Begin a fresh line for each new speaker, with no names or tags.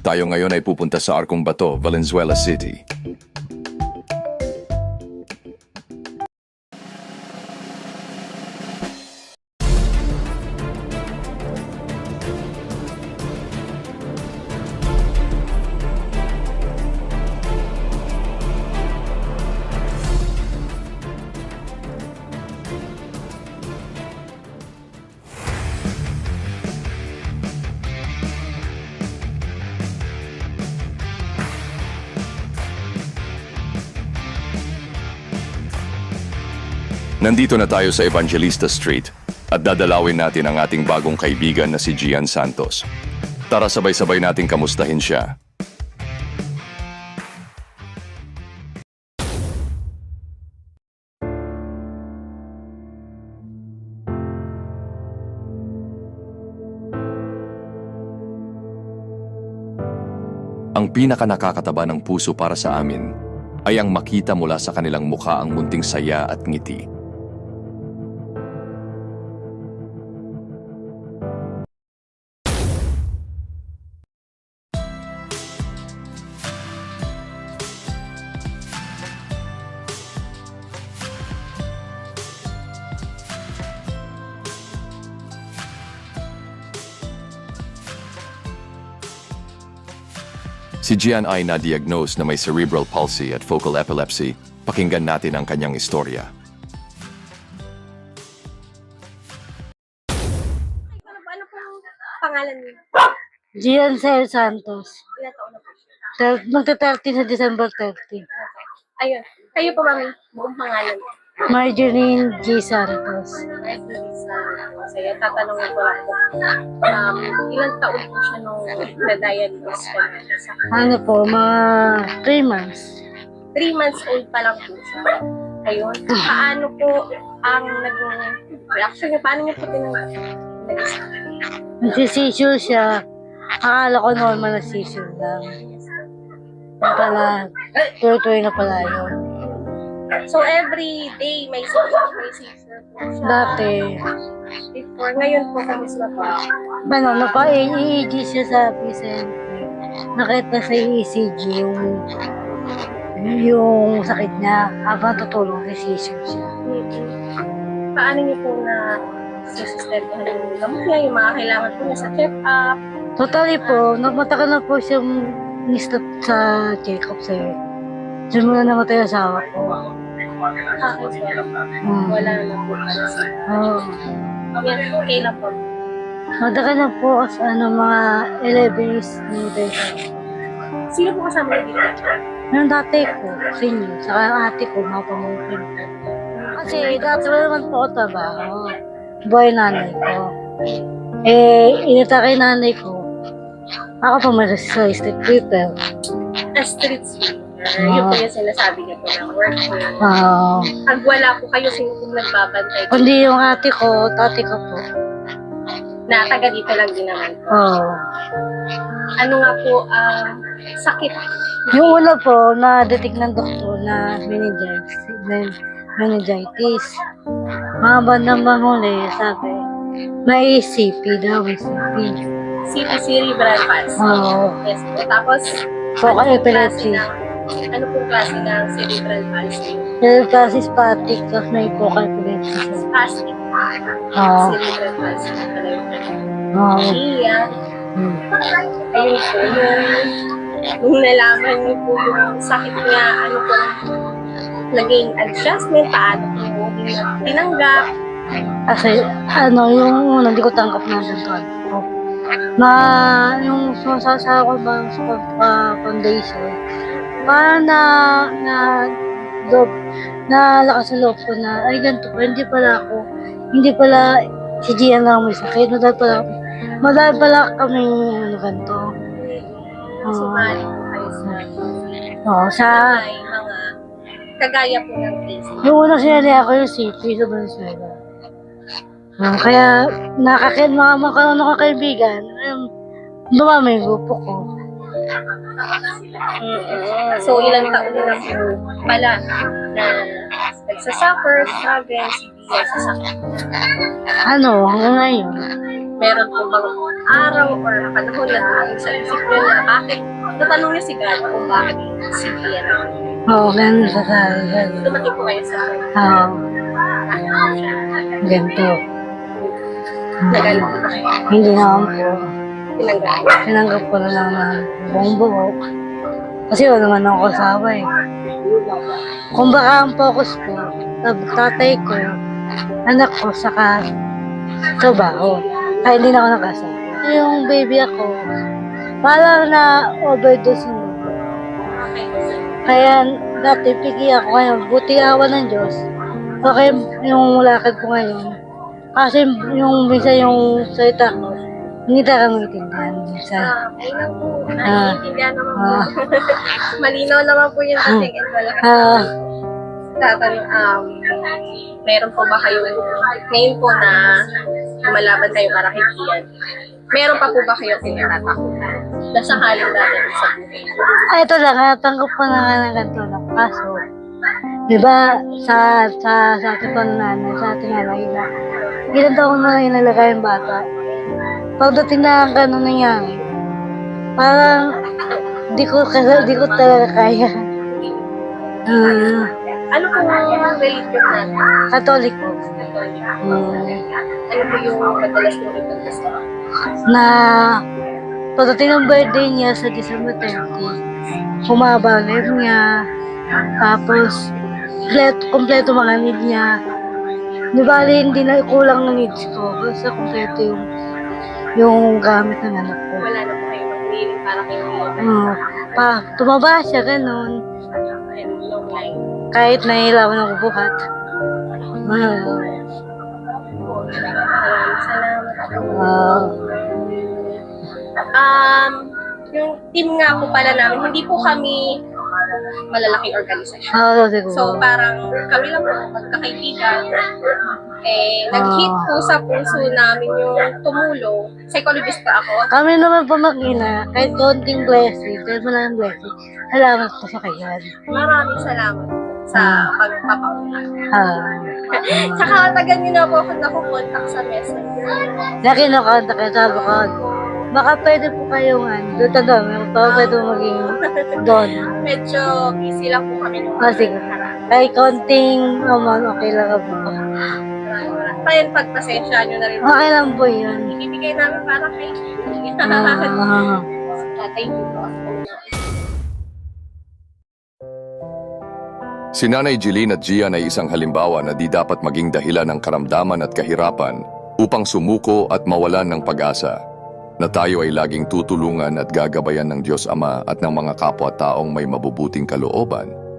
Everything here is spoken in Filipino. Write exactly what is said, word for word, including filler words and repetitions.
Tayo ngayon ay pupunta sa Arcong Bato, Valenzuela City. Nandito na tayo sa Evangelista Street at dadalawin natin ang ating bagong kaibigan na si Gian Santos. Tara sabay-sabay nating kamustahin siya. Ang pinaka nakakataba ng puso para sa amin ay ang makita mula sa kanilang mukha ang munting saya at ngiti. Si Gian ay na-diagnose na may cerebral palsy at focal epilepsy. Pakinggan natin ang kanyang istorya.
Ano pong pangalan niyo?
Gian Sel Santos.
Ilan taon na po siya?
Magta-thirty sa December thirty.
Ayun. Kayo po, mami. Buong pangalan.
Marjorie G. Santos.
Ay, sa masaya. Tatanungin ko lang po. Um, ilang taon po siya nung na-diagnose ka na sa
Ano po, mga three months.
Three months old pa lang po siya. Ayun. Paano po ang naging reaction niyo? Paano niyo po tinanggap?
Nagsisissure siya. Akala ko normal na seizure lang. Yung pala, tuloy-tuloy na pala yun.
So, every day may seizure, may seizure po siya.
Dati,
Before, ngayon po, kamusta po?
ano, napa-E E G siya sa P C N P. Nakita sa E C G yung yung sakit niya. Habang tutulong, nagsisissure siya.
Paano niyo po na susustentuhan yung gamot niya, yung mga kailangan po niya sa check-up?
Totally po, nagmatagal na po siyang ni-stop sa check-up sa'yo. Diyan muna namatay ang asawa ko.
Ah, okay.
Hmm.
Wala na po pala sa...
Oh.
Yan, okay na po.
Matagal na po as ano, mga eleven years namatay siya.
Sino po kasama niyo dito?
Yung dati ko, senior, saka yung ate ko, mga pamangkin ko. Kasi dati wala naman po ako trabaho. Buhay nanay ko. Eh, inatake nanay ko. Ako pa malas sa street people.
A street sweeper. Yun po yung sinasabi niyo po ng work niya.
Ah,
Pag wala po kayo, sino po nagbabantay?
kundi yung ate ko, tati ko po.
Na taga dito lang din naman po.
Oo.
Ano nga po, ah, sakit.
Yung una po, na-detect ng doktor na meningitis. men- meningitis. Mga bandang huli, sabi, may C P daw, may C P.
C P cerebral palsy.
Oo.
Yes po. Tapos,
Focal
ano pong
epilepsy.
klase ng- Ano pong klase ng cerebral palsy?
Yung kasi spastic, tapos may focal epilepsy siya.
Spastic
Oo.
cerebral palsy. Ano yun?
Oo.
Iya.
Hmm.
Ayun po, yung, nung nalaman niyo po yung sakit niya, ano po, naging adjustment, paano po tinanggap.
Kasi, ano, yung una, hindi ko tanggap na ganito. Na, yung sumasasawa ko ba sa uh, foundation, parang na, na, loob, na lakas sa loob ko na, ay, ganito pa, hindi pala ako, hindi pala, si Gian lang may sakit, madahil pala, madahil pala kami, ano, ganito.
Sumali po kayo sa
Oo, sa,
may mga kagaya po ng case.
yung una sinali ako yung city sa Venezuela. Um, kaya nakakit mga magkaroon ako kaibigan, um, dumami yung grupo ko.
So, ilang taon na po pala na nagsasuffer, struggle, si Bia sa sakit.
Ano, hanggang ngayon.
meron po bang araw or panahon na sa isip niyo na bakit, natanong niyo si God kung bakit si Gian.
Oo, ganun sa sabi.
Dumating po kayo sa
Oo, ganito.
nagalit po kayo.
Hindi naman po.
Tinanggal.
Tinanggap ko na lang na buong buo. Kasi wala naman ako kasama eh. Kung baka ang focus ko, sa tatay ko, anak ko, saka trabaho. Kaya hindi na ako nakasama. Yung baby ako, parang na overdose mo.
Okay.
Kaya dati pigi ako ngayon, buti awa ng Diyos. Okay, yung lakad ko ngayon. Kasi yung minsan yung salita ko, hindi talaga maintindihan minsan.
Ah, okay lang po.
Ah.
Naiintindihan naman po.
Ah.
Malinaw naman po yung dating and malakas.
Ah,
Tatanong, um, meron po ba kayo, ngayon po na lumalaban kayo para kay Gian, meron pa po ba kayo kinatatakutan na sakaling dadating sa buhay?
ay, ito lang, natanggap ko na nga ng ganito lang. Kaso, di ba, sa, sa, sa ating pananay, sa ating nanay na, ilan taon na inalagay yung bata. Pagdating na ang gano'n nangyari, parang, di ko, kasi, di ko talaga kaya. Ah,
Ano po ang religion natin?
Katolik po.
Catholic.
Hmm.
Ano po yung madalas nyo rin gusto?
Na pagdating ng birthday niya sa December thirty, humaba ang live niya, tapos kompleto, kompleto mga need niya. Di bali, hindi na kulang ng needs ko, basta kompleto yung yung gamit ng anak ko.
Wala na po kayo mag-willing para kay Gian.
Hmm. Pa, tumaba siya, ganun.
And long life.
Kahit nahilawan ako buhat. Ah,
Maraming salamat po.
ah,
Um, yung team nga po pala namin, hindi po kami malalaking organisasyon.
ah, siguro.
So parang kami lang po magkakaibigan. Eh, nag-hit po sa puso namin yung tumulong. Psychologist pa ako.
Kami naman po mag-ina, kahit konting blessing, kahit maraming blessing, salamat po sa kayan.
Maraming salamat sa pagpapauna.
Ah,
Tsaka tagal niyo na po ako nakukontak sa messenger.
nakinukanta kayo, sabi ko, baka pwede po kayong ano, doon taga, baka pwede po maging doon.
Medyo busy lang po kami nung
Ah, sige. Kahit konting amount, okay lang po.
Kaya pagpasensya nyo na rin.
Okay lang po yun.
Ibibigay namin para kay
Ah,
Thank you po.
Si Nanay Jeline at Gian ay isang halimbawa na di dapat maging dahilan ng karamdaman at kahirapan upang sumuko at mawalan ng pag-asa, na tayo ay laging tutulungan at gagabayan ng Diyos Ama at ng mga kapwa-taong may mabubuting kalooban